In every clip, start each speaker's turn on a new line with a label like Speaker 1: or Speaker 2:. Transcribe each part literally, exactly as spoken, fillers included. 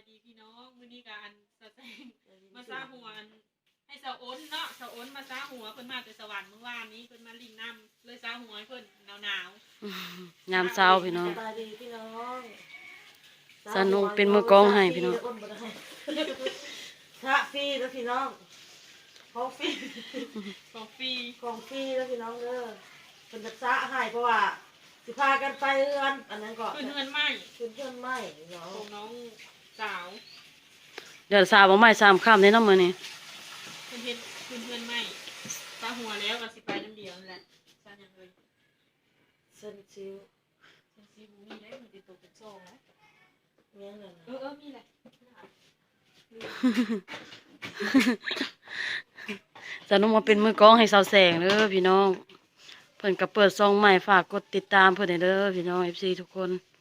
Speaker 1: ดีพี่น้องมื้อนี้การสะแสงมาซาหัวให้สาวอ้นเนาะสาวอ้นมาซาหัวเพิ่นมาแต่สวรรค์เมื่อวานนี้เพิ่นมาลิงน้ำเลยซาหัวให้เพิ่นหนาว
Speaker 2: ๆยามเช้าพี่น้อง
Speaker 3: สบายดีพี่น้อง
Speaker 2: สนุกเป็นมือกองให้พี่น้อง
Speaker 3: พระฟรีแล้วพี่น้องของฟรี
Speaker 1: ของฟรี
Speaker 3: ของฟรีแล้วพี่น้องเด้อเป็นจักษะให้เพราะว่าสิพากันไปเรือนอันนั้นก็
Speaker 1: ขึ้นเงินไหม
Speaker 3: ขึ้นเพื่อนไหมเนาะ
Speaker 1: ของน้องสาว
Speaker 2: เดี๋ยวสาวบ่ไม้สามค่ำในน้ำมื้อนี้
Speaker 1: ขึ้นเฮ็ดขึ้นเงินไหมซาหัวแล้วก็สิไปน้ำเดียวนั่นแหละซาอย่างเลย
Speaker 3: เส้นชิว
Speaker 1: เซนซีบูมีได้มันติดตัวเป็นซองแล้ว
Speaker 3: เงี้ยนั่น
Speaker 1: เออเออมีแหละ
Speaker 2: สนุกมาเป็นมือกองให้สาวแสงเด้อพี่น้องเพิ่นก็เปิดซองใหม่ฝากกดติดตามเพิ่นให้เด้อพี่น้อง เอฟ ซี ทุกคน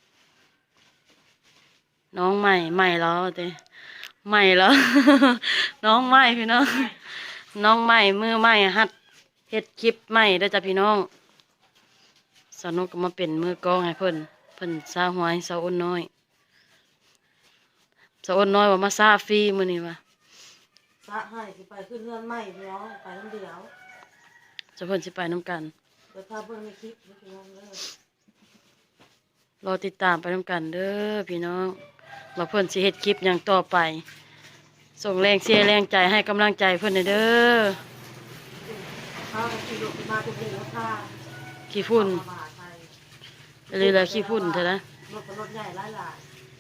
Speaker 2: น้องใหม่ใหม่แล้วเด้ใหม่แล้ว น้องใหม่พี่น้อง น้องใหม่มือใหม่หัดเฮ็ดคลิปใหม่เด้อจ้ะพี่น้องสนุกก็มาเป็นมือกองให้เพิ่นเพิ่นซาหัวให้สาวอ้นน้อยสาวอ้นน้อยว่ามาซาฟรีมื้อนี้ว่ะ
Speaker 3: สะให้สิไปขึ้นเรือนไหมพี่น้องไปน้ำเดียว
Speaker 2: จะเพิ่นสิไปนํกัน
Speaker 3: เดี๋ยวพาเบิ่งในคลิปนะพี่น้องเด้อ
Speaker 2: รอติดตามไปนํกันเด้อพี่น้องว่าเพิ่นสิเฮ็ดคลิปหยังต่อไปส่งแรงเชียร์แรงใจให้กำลังใจเพิ่นเด้อ
Speaker 3: ข้าวขี่รถมาจะเป็นราคา
Speaker 2: ขี้ฝุ่น
Speaker 3: มหาไทย
Speaker 2: เลยละขี้ฝุ่นเถอะนะ
Speaker 3: รถเป็นรถใหญ่หลายหลาย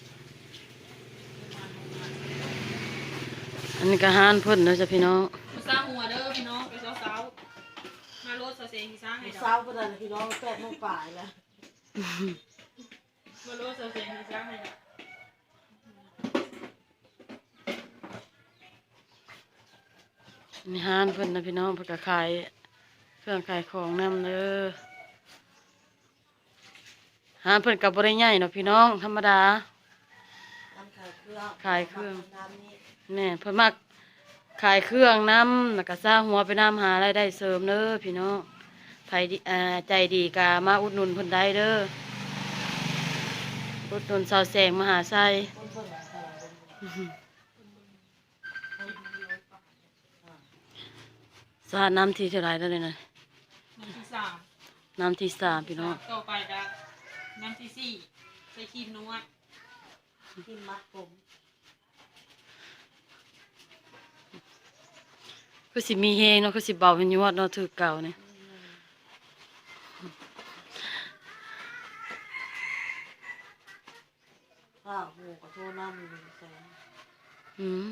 Speaker 2: อันนี้ก็หารเพิ่นเด้อจ้ะพี่น้อง
Speaker 1: มาซาหัวเด้อพี่น้องไปเช้าๆมารถซาเซงที่ซ่าให้ดอก
Speaker 3: เช้าก็ได้พี่น้องแปดโมงป่ายแล้ว
Speaker 1: มารถซาเซงที่ซ่าให้ดอก
Speaker 2: มีหารเพิ่นนะพี่น้องเพิ่นก็ขายเครื่องขายของนำเด้อหารเพิ่นก็บ่ได้ใหญ่เนาะพี่น้องธรรมดา
Speaker 3: น้ำขายเครื่อง
Speaker 2: ขายเครื่อง
Speaker 3: น้ำนี้
Speaker 2: แม่นเพิ่นมักขายเครื่องนำแล้วก็ซาหัวไปนำหารายได้เสริมเด้อพี่น้องไผดีอ่าใจดีก็มาอุดหนุนเพิ่นได้เด้ออุดหนุนสาวแสงมหาไซ
Speaker 3: คนเพิ่นขาย
Speaker 2: สาดน้ำที่เท่าไหรแล้วเลยนะ
Speaker 1: น้ำที่สาม
Speaker 2: น้ำที่สามพี่น้อง
Speaker 1: ต่อไปก็น้ำที่สี่ใส่ครีมนัว
Speaker 3: ที่มัดผม
Speaker 2: ก็สิมีเฮงเนาะก็สิเบาเป็นยวดเนาะถือเก่าเนี่ย
Speaker 3: ข้าวหมูกระโทน้ำหนึ่งแสน
Speaker 2: อืม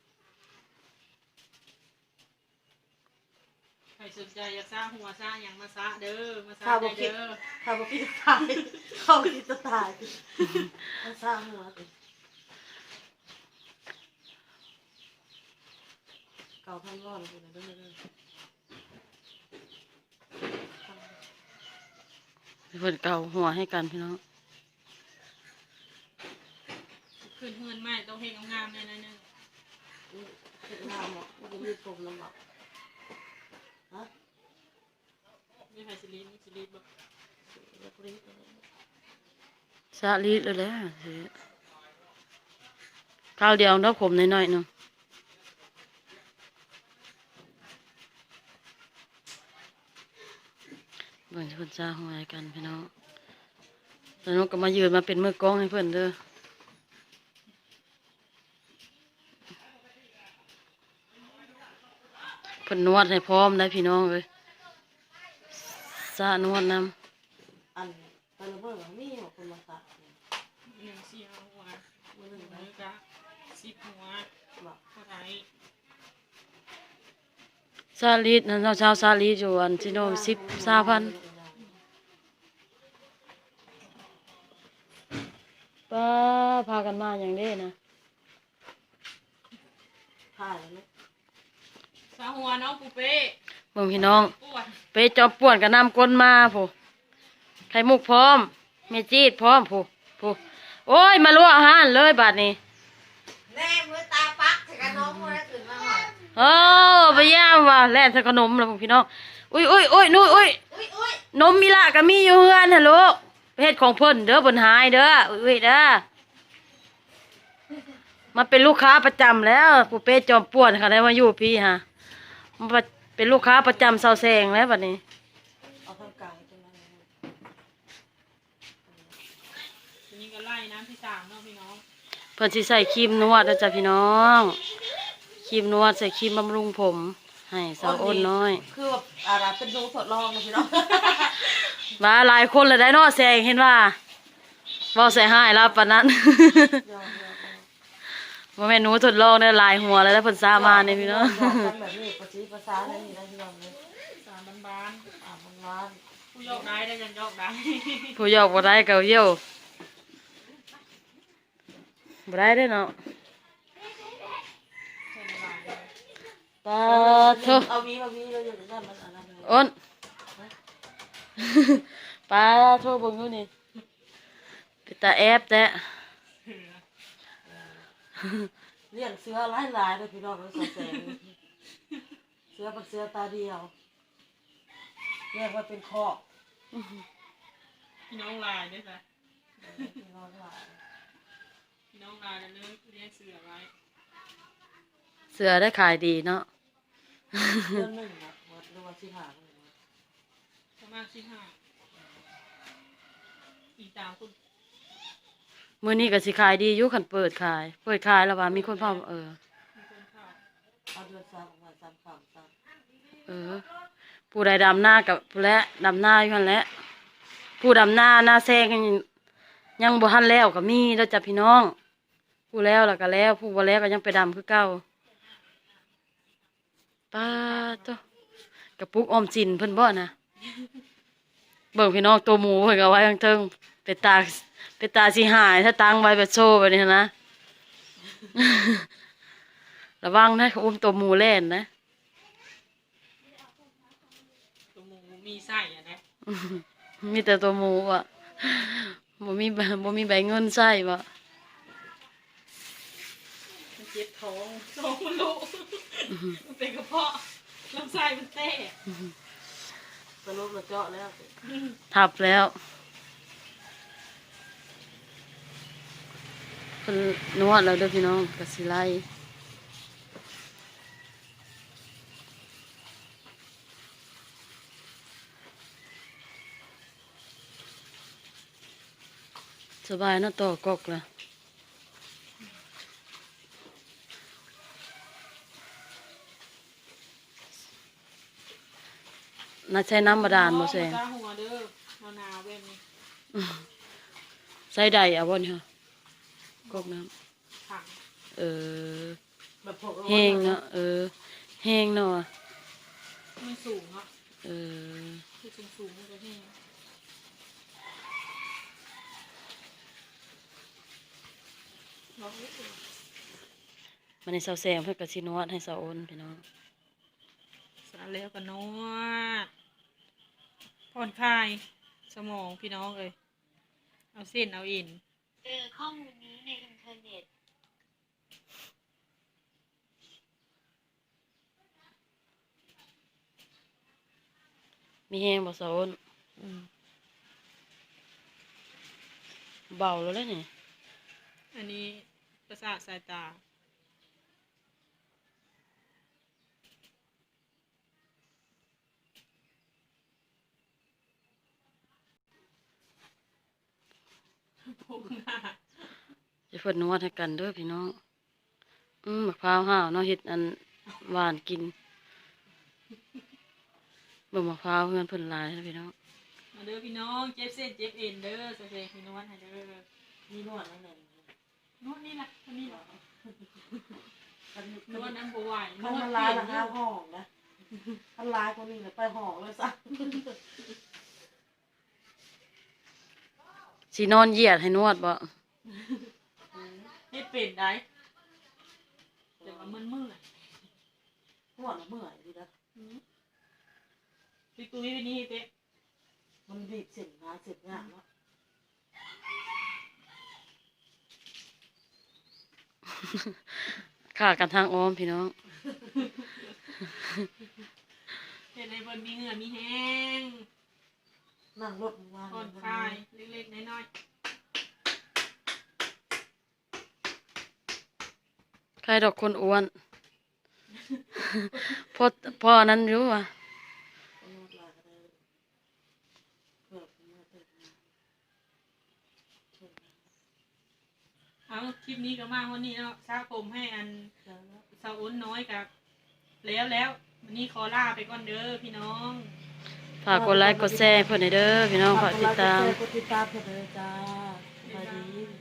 Speaker 1: ใครสนใจอยากซาหัวซาอย่างมาซาเด้อมาซา
Speaker 3: ข้าวบ
Speaker 1: ได้
Speaker 3: กิน
Speaker 1: เด้อ
Speaker 3: ข้าวบกินตายข้าวกินตายมันสร้างหัวติเก่าพันร้อนเลยนะเด้อเด้อ
Speaker 2: เพิ่นเก่าหัวให้กันพี่น้อง
Speaker 1: ขึ้นเฮือนใหม่ต้องเฮ็ดงามๆแน่ๆนึง
Speaker 3: เห็ดงามหรอกมันจะมีผมลำบากฮะ
Speaker 1: มีไผสิลีนมีสิลีนบ่
Speaker 3: เล็กรีบ
Speaker 2: สาลีดเลยแหละสิข้าวเดียวเนาะผมน้อยๆหนึงเบิ่งเพิ่นซาหัวให้กันพี่น้องแล้วน้องก็มายืนมาเป็นมือกลองให้เพิ่นเด้อเพิ่นนวดให้พร้อมได้พี่น้องเอ้ยซานวดนำ
Speaker 3: อันตะละเบิดว่ามีของคนมาตัด
Speaker 1: หนึ่งสี่ห้าหัว
Speaker 3: มือหนึ่ง
Speaker 1: มื
Speaker 3: นะ
Speaker 1: อกะสิบหัว
Speaker 3: บอก
Speaker 1: เท่าไหร่
Speaker 2: ซาลีดนั่นเช้าซาลีดอยู่อันที่โน่นสิบสามพันป้าพากันมาอย่างเด้นะ
Speaker 3: ถ่ายแล้วไหม
Speaker 1: ซาหัวน้องปูเป้
Speaker 2: เบิ่งพี่น้อง
Speaker 1: ปวด
Speaker 2: ไปจอบป่วนกับน้ำก้นมาผู้ไข่มุกพร้อมเมจีดพร้อมผู้ผู้โอ้ยมาลวกอาหารเลยบาดนี้
Speaker 3: แน่มือตาปักใส่กระน้องมือแล้วตื่นมาหน่อย
Speaker 2: โอ้ไปย่ามว่ะแล่นใส่ขนมแล้วพวกพี่น้องอุ้ยอุ้ยอุ้ยนู่นอุ้ย
Speaker 3: อุ้ยอุ้ย
Speaker 2: นมมีละก็มีอยู่เฮือนฮัลโหลไปเฮ็ดของเพิ่นเด้อเพิ่นหายเด้ออุ้ยเด้อมาเป็นลูกค้าประจำแล้วผู้เป้จอมป่วนค่ะได้มาอยู่พี่ฮะมาเป็นลูกค้าประจำเซาแซงแล้วบัดนี้
Speaker 3: เอาทางกลางตรงนั้นเลย
Speaker 1: ทีนี้ก็ไล่น้ำที่สามเนาะพี่น้อง
Speaker 2: เพิ่นสิใส่ครีมนวดนะจ๊ะพี่น้องครีมนวดใส่ครีมบำรุงผม ให้สาวอ้นน้อย
Speaker 3: คือแบบอะไรเป็นดูทดลองนะพี่น้อง
Speaker 2: มาหลายคนเลยได้เนาะแซงเห็นว่าเว้าใส่ให้แล้วปานนั้น
Speaker 3: ยอมยอม
Speaker 2: บ่แม่นหนูทดลองได้หลายหัวแล้วได้เพิ่นซามานี่พี่น้อง
Speaker 3: ยอมทำแบบนี้ภาษีภาษาอะไรนี่นะพี่น้องเลย
Speaker 1: สามบ้าน
Speaker 3: อ่ามันร้าน
Speaker 1: ๆผู้ยกได้ได้ยังยกได้
Speaker 2: ผู้ยอกบ่ได้ก็เยี่ยวบ่ได้เด้อเนาะ
Speaker 1: ใช่ไหมล่ะ
Speaker 2: ปาโท
Speaker 3: เอาวีมาวีเราอยู่ด้านมันอะไรเลย
Speaker 2: อ้น ปาโทเบิ่งดูนี่เป็นตาแอบแท้
Speaker 3: เลี้ยงเสือหลายหลายเลยพี่น้องเลยสองแสนเสือเป็นเสือตาเดียวเรียกว่าเป็นคอก
Speaker 1: พี่น้องลายด้วยจ้ะ
Speaker 3: พี่น้องหลาย
Speaker 1: พี่น้องลายแล้วเลิกเรียกเสือไว้
Speaker 2: เสือได้ขายดีเนาะ
Speaker 3: เดือนหนึ่งนะหมดหรือว่าสิบห้าหมื่นนะ
Speaker 1: ประมาณสิบห้าอีกตามคุณ
Speaker 2: มื้อนี้ก็สิขายดีอยู่คันเปิดขาย เปิดขายแล้วว่ามีคนพร้อมเออ
Speaker 1: มีคนเข้า
Speaker 3: เอาเดือนสามประมาณสามสามสาม
Speaker 2: เออ ผู้ใดดำหน้ากับผู้และดำหน้าอยู่หั่นแหละผู้ดำหน้าหน้าแซงยังยังบ่ทันแล้วก็มีแล้วจ้ะพี่น้อง ผู้แล้วแล้วก็แล้ว ผู้บ่แล้วก็ยังไปดำคือเก่าป้าโตกระปุกออมสินเพิ่นบ่นะ เบิ่งพี่น้องตัวหมูเพิ่นก็เอาไว้ข้างเทิงไปตากไปตาสิหายถ้าตั้งไว้แบบโชว์แบบนี้นะ ระวังนะเขาอุ้มตัวหมูเล่นนะ
Speaker 1: ตัวหมูมีไส้อะนะ
Speaker 2: มีแต่ตัวหมูอ่ะบ่มีใบบ่มีใบเงินใส่บ่
Speaker 1: มันเจ็บท้องท้องมันลุมันเป็นกระเพาะลำไส้มันเต้
Speaker 3: สรุปเราเจาะแล้ว
Speaker 2: ทับแล้วเพิ่นนวดแล้วเด้อพี่น้องก็สิไล่สบายเนาะต่อกกล่ะน่าใช้น้ำบาดาลบ่แซง
Speaker 1: ตาหัวเด้อมะนาวเว้นนี่
Speaker 2: ใส่ใดเอาบ่นี่ค่ะกกน้ำ
Speaker 1: ถัง
Speaker 2: เออ
Speaker 3: แบบพวกเรา
Speaker 2: แห้งเนาะเออแห้งเนาะ
Speaker 1: มันสูงเนาะ
Speaker 2: เออ
Speaker 1: คือสูงสูงๆมันจะแห้ง
Speaker 2: มันในเสาแซงเพื่อกระชินวดให้เสาโอนพี่น้อง
Speaker 1: สารแล้วก็นวดผ่อนคลายสมองพี่น้องเลยเอาเส้นเอาอิน
Speaker 4: เจอข้อมูลนี้ในอินเทอร์เน็ต
Speaker 2: มีแห้งบ่เสาโอน
Speaker 1: อืม
Speaker 2: เบาแล้วเลยนี่
Speaker 1: อันนี้ประสาทสายตาพวกหน้า
Speaker 2: จะเพิ่นนวดให้กันเด้อพี่น้อง อืมมะพร้าวห้าวเนาะเฮ็ดอันหวานกินเบิ่งมะพร้าวเพื่อนเพิ่นหลายนะพี่น้อง
Speaker 1: มาเด้อพี่น้องเจ็บเส้นเจ็บเอ็นเด้อเสเสพี่นวดให้เด้อ
Speaker 3: มีนวดนั่นเอง
Speaker 1: นวดนี่แหละนวดนี่แหละ
Speaker 3: มัน
Speaker 1: นวดน้ำบัวไหวน
Speaker 3: มัน
Speaker 1: วด
Speaker 3: มัน
Speaker 1: เป
Speaker 3: ลา
Speaker 1: ลี่
Speaker 3: ย
Speaker 1: ยน
Speaker 3: ละห้าห้องนะมันลายคนนี้เลยไปห้องเลยสัก
Speaker 2: สินอนเหยียดให้นวดบ่
Speaker 1: เฮ็ดเป็นได้แต่ว่ามันเมื่อย
Speaker 3: นวดเมื่อยดีนะ
Speaker 1: พี่ตุ้ยไปนี่เต้
Speaker 3: มันบีบเส้นงานเสร็จงานเนาะ
Speaker 2: ค่ากันทางอ้อมพี่น้อง
Speaker 1: เฮ็ดให้เพิ่นมีเหงื่อมีแห้ง
Speaker 3: นั่งรถมา
Speaker 1: ผ่อนคลายเล็กๆน้อยๆ
Speaker 2: ใครดอกคนอ้วน พอพอนั้นอยู่ว่ะ
Speaker 1: เอาคลิปนี้ก็มาวันนี้เนาะสร้างผมให้อันสาวอ้นน้อยกับแล้วแล้ววันนี้ขอลาไปก่อนเด้อพี่น้อง
Speaker 2: ฝากกดไลค์กดแชร์เพื่อนให้เด้อพี่น้องฝากติดตาม
Speaker 3: กดติดตามเพื่อนเลยจ้าสวัสดี